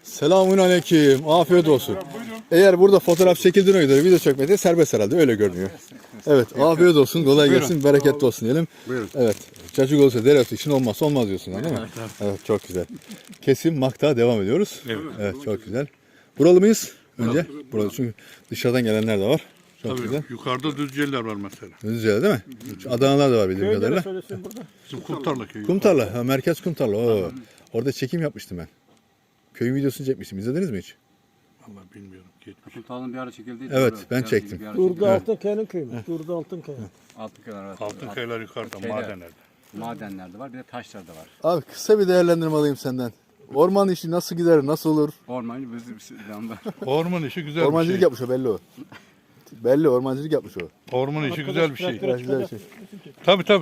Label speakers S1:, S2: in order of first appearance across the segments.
S1: Selamünaleyküm. Afiyet olsun. Eğer burada fotoğraf çekildiğine göre video çekmede serbest herhalde. Öyle görünüyor. Evet. Afiyet olsun. Kolay gelsin. Bereketli olsun diyelim.
S2: Buyurun.
S1: Evet. Cacık olsa dereotu için olmazsa olmaz diyorsun değil mi? Evet. Çok güzel. Kesim makta devam ediyoruz. Evet. Çok güzel. Buralı mıyız? Önce. Buralı. Çünkü dışarıdan gelenler de var. Çok
S3: Tabii,
S1: güzel.
S3: yukarıda Düzceliler var mesela.
S1: Düzce'de değil mi? Adanalar da var bildiğim kadarıyla.
S3: Bizim Kumtarla köyü.
S1: Kumtarla. Ha, merkez Kumtarla. Oo. Orada çekim yapmıştım ben. Köyün videosunu çekmiştim. İzlediniz mi hiç?
S3: Vallahi bilmiyorum. Geçmiş.
S2: Kumtal'ın bir ara çekildiği.
S1: Evet, ben çektim.
S4: Durdu Altınkaya'nın köyü mü? Durdu Altınkaya.
S2: Altınkayalar evet.
S3: Altınkayalar yukarıda,
S2: Şeyde.
S3: madenlerde.
S2: Madenlerde var, bir de taşlarda var.
S1: Abi kısa bir değerlendirme alayım senden. Orman işi nasıl gider, nasıl olur?
S2: Ormancı bir anda.
S3: Orman işi güzel
S1: Ormancılık
S3: bir şey.
S1: yapmış o belli o. Belli ormancılık yapmış o.
S3: Orman işi güzel bir şey.
S1: Güzel bir şey.
S3: Tabii tabii.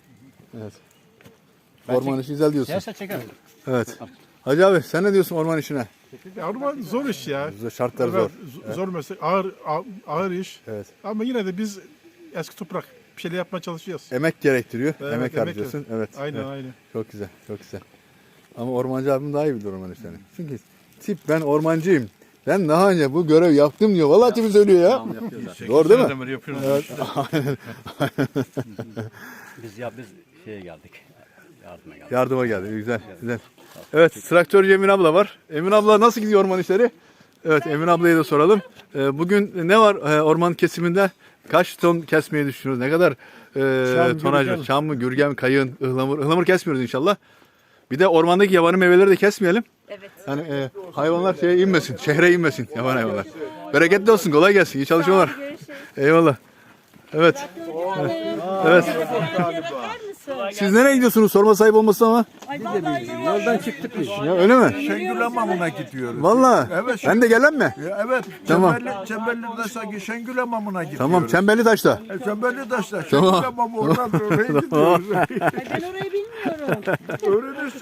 S1: Orman işi güzel diyorsun.
S2: Yerse çeker.
S1: Evet. Hacı abi sen ne diyorsun orman işine?
S5: Ya orman zor iş ya.
S1: Şartlar zor.
S5: Zor meslek, ağır iş.
S1: Evet.
S5: Ama yine de biz eski toprak bir şeyler yapmaya çalışıyoruz.
S1: Emek gerektiriyor.
S5: Evet,
S1: emek
S5: emek
S1: harcıyorsun. Evet.
S5: Aynen
S1: evet.
S5: aynen.
S1: Çok güzel, çok güzel. Ama ormancı abim daha iyi bilir orman işlerini. Çünkü tip ben ormancıyım. Ben daha önce bu görev yaptım diyor. Vallahi tipi söylüyor ya.
S2: Tamam yapıyoruz zaten.
S1: Doğru değil mi?
S3: Seneden beri yapıyoruz.
S1: Evet.
S2: Biz şeye geldik. Yardıma geldik.
S1: Yardıma geldi. Güzel, güzel. Evet, traktörcü Emin abla var. Emin abla nasıl gidiyor orman işleri? Evet, Emin ablaya da soralım. Bugün ne var orman kesiminde? Kaç ton kesmeyi düşünüyoruz? Ne kadar tonaj var? Çam mı, gürgen, kayın, ıhlamur? Ihlamur kesmiyoruz inşallah. Bir de ormandaki yabani meyveleri de kesmeyelim.
S6: Evet.
S1: Yani hayvanlar şeye inmesin, şehre inmesin yaban hayvanlar. Bereketli olsun, kolay gelsin. İyi çalışmalar. Eyvallah. Evet. Evet. Siz nereye gidiyorsunuz? Sorma sahip olmasın ama.
S4: Yoldan çıktık biz.
S1: Ya öyle mi?
S7: Şengül Hamamı'na gidiyoruz.
S1: Vallahi.
S7: Evet.
S1: Ben de gelen mi?
S7: Evet.
S1: Tamam.
S7: Çemberli'de sanki Şengül Hamamı'na gidiyoruz.
S1: Tamam, Çemberli Taş'ta.
S7: Çemberli taşla.
S1: Tamam.
S7: Şengül Hamamı oradan oraya gidiyoruz.
S6: Ben orayı bilmiyorum.
S7: Öğrenirsin.